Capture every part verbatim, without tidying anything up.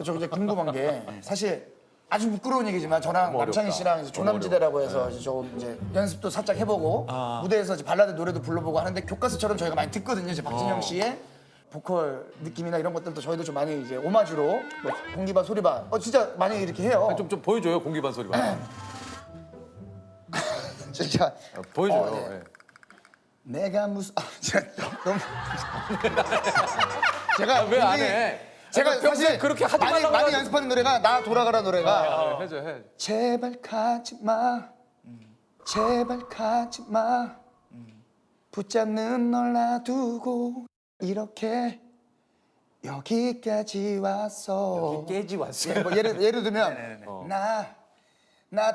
저 이제 궁금한 게 사실 아주 부끄러운 얘기지만 저랑 남창희 씨랑 이제 조남지대라고 해서 이제 좀 이제 연습도 살짝 해보고 무대에서 이제 발라드 노래도 불러보고 하는데 교과서처럼 저희가 많이 듣거든요. 이제 박진영 씨의 보컬 느낌이나 이런 것들도 저희도 좀 많이 이제 오마주로 뭐 공기반 소리반 어 진짜 많이 이렇게 해요. 좀, 좀 보여줘요, 공기반 소리반. 진짜 어, 보여줘요. 어, 네. 예. 내가 무슨 아 진짜 너무 제가 왜 안 굉장히- 해? 제가 평소에 사실 그렇게 하지 많이, 말라고 많이 해가지고. 연습하는 노래가 나 돌아가라 노래가 아, 해줘, 해. 제발 가지 마 제발 가지 마 붙잡는 널 놔두고 이렇게 여기까지 왔어 깨지 왔어요. 예, 뭐 예를, 예를 들면 나, 나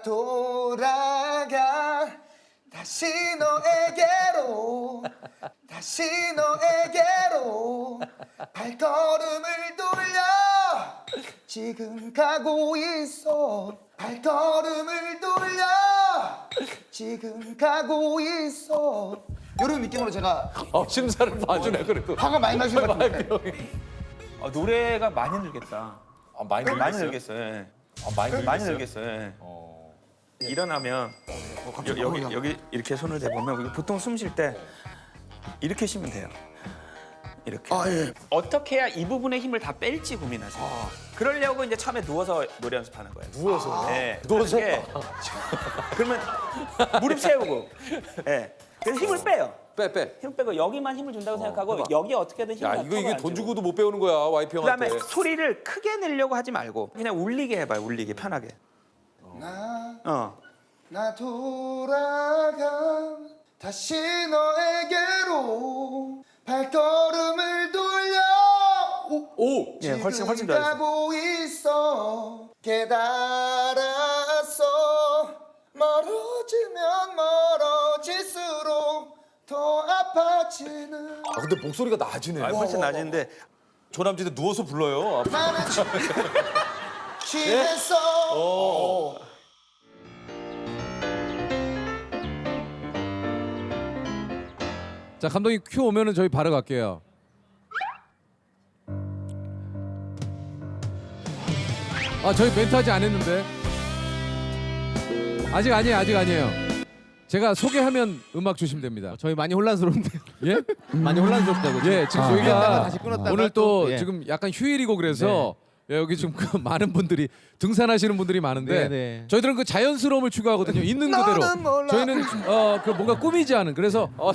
돌아가 다시 너에게로 다시 너에게로 발걸음을 돌려 지금 가고 있어 발걸음을 돌려 지금 가고 있어 이런 느낌으로 제가 어, 심사를 봐주네, 그래도. 화가 많이 나신 것 같은데 아, 노래가 많이 늘겠다. 아, 많이 많이 늘겠어요? 늘겠어요. 예. 아, 많이 늘겠어요? 많이 늘겠어요. 예. 어. 일어나면 여, 여기 여기 이렇게 손을 대보면 보통 숨 쉴 때 이렇게 쉬면 돼요. 이렇게. 아, 예. 어떻게 해야 이 부분의 힘을 다 뺄지 고민하세요. 그러려고 이제 처음에 누워서 노래 연습하는 거예요. 누워서? 네. 누워서? 그게- 그러면 무릎 세우고. 예. 그래서 힘을 빼요. 빼, 빼. 힘 빼고 여기만 힘을 준다고 생각하고 여기 어떻게든 힘을 야, 이거, 이게 돈 주고도 못 배우는 거야, 와이프 형한테. 그다음에 소리를 크게 내려고 하지 말고 그냥 울리게 해봐요. 울리게 편하게. 나, 어. 나 돌아가 다시 너에게로 발걸음을 돌려 오, 오! 예, 훨씬 훨씬 지금 더 잘했어. 가고 있어 깨달았어 멀어지면 멀어질수록 더 아파지는 아, 근데 목소리가 낮으네. 아, 훨씬 낮은데 조남지대 누워서 불러요. 나는 취- 취했어 어. 자, 감독님 큐 오면은 저희 바로 갈게요. 아, 저희 멘트 아직 안 했는데. 아직 아니에요, 아직 아니에요. 제가 소개하면 음악 주시면 됩니다. 저희 많이 혼란스러운데요. 예? 많이 혼란스럽다고. 예, 지금 아. 저희가 끊었다가 다시 끊었다가 오늘 또 또, 예. 지금 약간 휴일이고 그래서 예, 여기 지금 그 많은 분들이 등산하시는 분들이 많은데 네, 네. 저희들은 그 자연스러움을 추구하거든요. 있는 그대로. 나는 몰라. 저희는 어, 그 뭔가 꾸미지 않은. 그래서 어,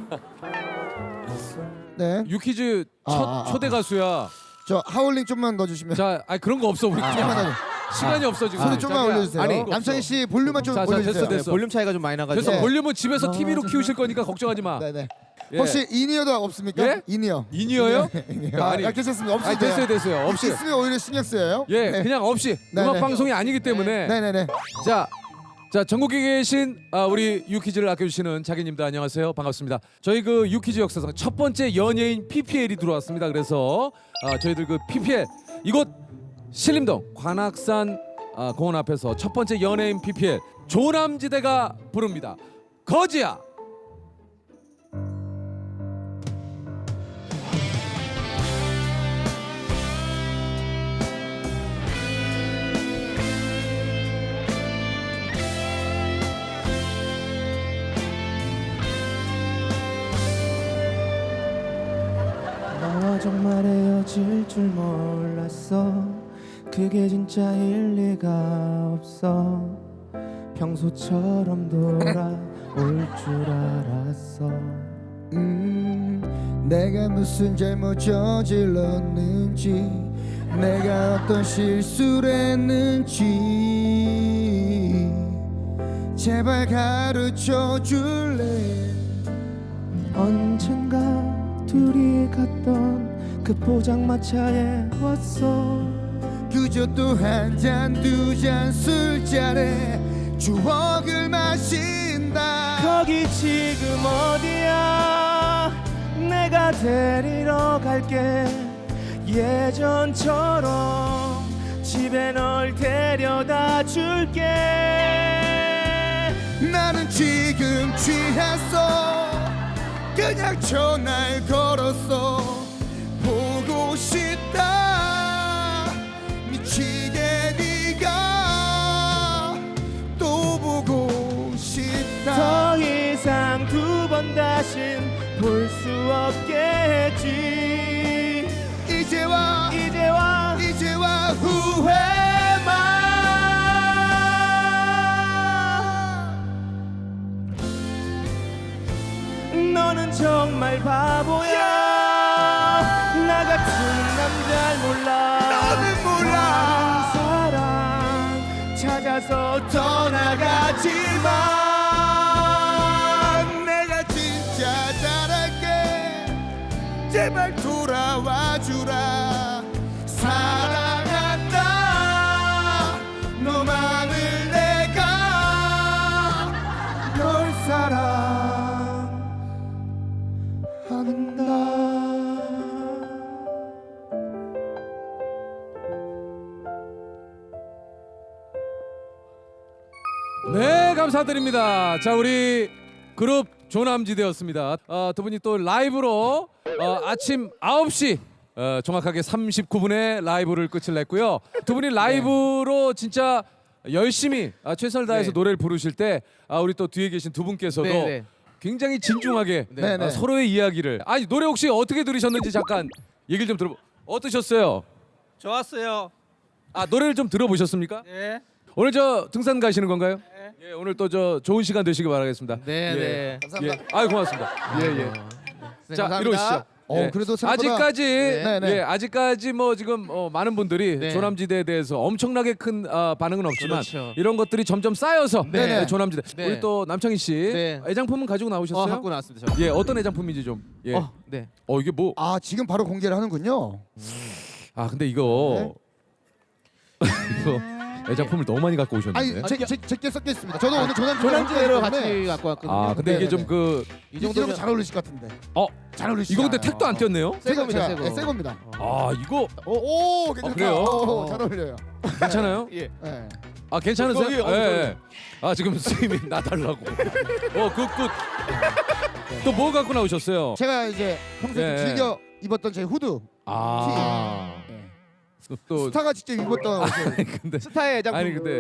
네. 유키즈 첫 아, 아, 초대 가수야. 저 하울링 좀만 넣어주시면. 자, 아니 그런 거 없어 우리 그냥 좀만 넣어. 시간이 없어 지금. 소리 좀만 자기야. 올려주세요. 아니, 남창희 씨 볼륨만 좀 자, 자, 올려주세요. 됐어, 됐어. 네, 볼륨 차이가 좀 많이 나가지고. 그래서 네. 볼륨은 집에서 티비로 키우실 거니까 걱정하지 마. 네네. 예. 혹시 이니어도 없습니까? 예? 이니어. 인이어요? 아, 아니, 아, 괜찮습니다. 없을 아니 때요. 됐어요, 됐어요. 없이. 있으면 오히려 신경 쓰여요. 예, 네. 그냥 없이 네, 음악 네. 방송이 아니기 때문에. 네네네. 자, 자 전국에 계신 아, 우리 유키즈를 아껴주시는 자기님들 안녕하세요, 반갑습니다. 저희 그 유키즈 역사상 첫 번째 연예인 피피엘이 들어왔습니다. 그래서 아, 저희들 그 피피엘 이곳 신림동 관악산 아, 공원 앞에서 첫 번째 연예인 피피엘 조남지대가 부릅니다. 거지야. 너와 정말 헤어질 줄 몰랐어. 그게 진짜일 리가 없어. 평소처럼 돌아올 줄 알았어. 음, 내가 무슨 잘못 저질렀는지, 내가 어떤 실수를 했는지, 제발 가르쳐 줄래? 언젠가 둘이 갔던 그 포장마차에 왔어. 그저 또 한 잔 두 잔 술잔에 추억을 마신다. 거기 지금 어디야? 내가 데리러 갈게. 예전처럼 집에 널 데려다 줄게. 나는 지금 취했어. 그냥 전화를 걸었어. 보고 싶다. 미치게 네가 또 보고 싶다. 더 이상 두 번 다신 볼 수 없겠지. 이제와 이제와 이제와 후회만. 너는 정말 바보야. 나 같은 남잘 몰라. 너는 몰라. 사랑 찾아서 떠나가지마. 내가 진짜 잘할게. 제발 돌아와 주라. 사랑한다. 너만을 내가 널 사랑한다. 네, 감사드립니다. 자, 우리 그룹 조남지대였습니다. 어, 두 분이 또 라이브로 어, 아침 아홉 시 어, 정확하게 삼십구 분에 라이브를 끝을 냈고요. 두 분이 라이브로 진짜 열심히 아, 최선을 다해서 네. 노래를 부르실 때 아, 우리 또 뒤에 계신 두 분께서도 네, 네. 굉장히 진중하게 네, 네. 아, 서로의 이야기를 아니 노래 혹시 어떻게 들으셨는지 잠깐 얘기를 좀 들어 어떠셨어요? 좋았어요. 아, 노래를 좀 들어보셨습니까? 네. 오늘 저 등산 가시는 건가요? 예, 오늘 또 저 좋은 시간 되시길 바라겠습니다. 네, 예. 네. 감사합니다. 예. 아유, 고맙습니다. 예, 예. 네, 자, 감사합니다. 이러시죠. 어, 예. 그래도 생각보다- 아직까지 네, 네. 예, 아직까지 뭐 지금 어, 많은 분들이 네. 조남지대에 대해서 엄청나게 큰 아, 반응은 없지만 그렇죠. 이런 것들이 점점 쌓여서 네. 예, 조남지대. 네. 우리 또 남창희 씨 네. 애장품은 가지고 나오셨어요? 어, 갖고 나왔습니다. 저. 예, 어떤 애장품인지 좀. 예. 어, 어, 네. 이게 뭐? 아 지금 바로 공개를 하는군요. 아, 근데 이거 이거 애장품을 너무 많이 갖고 오셨는데. 아니 제제제 섞여 있습니다. 저도 오늘 조남 조남지대로 같이 갖고 왔거든요. 아, 근데 네, 이게 네, 좀 네. 그 이 이러면 정도면 잘 어울리실 것 같은데. 어, 잘 어울리시죠. 이거 근데 택도 안 띄었네요. 새 겁니다, 새 거. 새 겁니다. 아, 이거 오, 오 괜찮다. 그래요? 오, 잘 어울려요. 괜찮아요? 예. 네. 아, 괜찮으세요? 거기 예. 어디, 예. 아, 지금 스님이 나달라고. 어, 굿, 굿. 또 뭐 갖고 나오셨어요? 제가 이제 평소에 네. 좀 즐겨 입었던 제 후드. 아, 네. 또, 또 스타가 직접 입었던 옷을. 근데 스타의 애장품. 아니 근데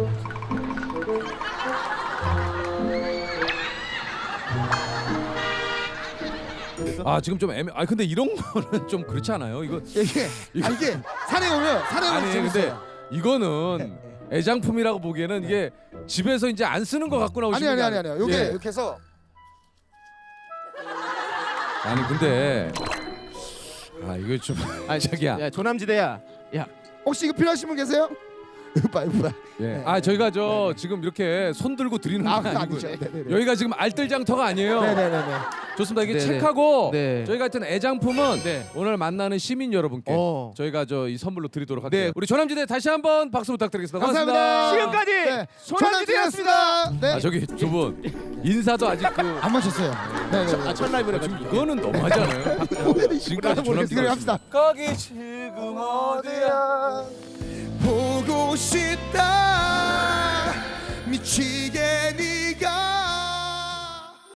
아, 지금 좀 애매. 아, 근데 이런 거는 좀 그렇지 않아요? 이거 이게 아, 이게 산에 오면 산에 오면 아니 근데 재밌어요. 이거는 애장품이라고 보기에는 이게 집에서 이제 안 쓰는 거 갖고 아니 나오시는 아니 게 아니 아니- 아니요. 요게 예. 이렇게 해서 아니 근데 아, 이거 좀 아니, 자기야. 야, 조남지대야. 야, 혹시 이거 필요하신 분 계세요? 으빠 으빠. 예. 아, 저희가 저 지금 이렇게 손 들고 드리는 아, 건 그거 아니고 아니죠. 네네네. 여기가 지금 알뜰장터가 아니에요. 네네네네. 좋습니다. 이게 네네. 책하고 네. 저희 같은 애장품은 네. 오늘 만나는 시민 여러분께 어. 저희가 저 이 선물로 드리도록 할게요. 네. 우리 조남지대 다시 한번 박수 부탁드리겠습니다. 감사합니다. 지금까지 네. 조남지대였습니다. 네. 아, 저기 두 분 인사도 아직 그 안 마셨어요. 네네. 아, 첫 라이브를 지금 가지고. 이거는 너무하지 않아요? 지금까지 조남지대 이거 합시다. 거기 지금 어디야? 보고 싶다. 미치게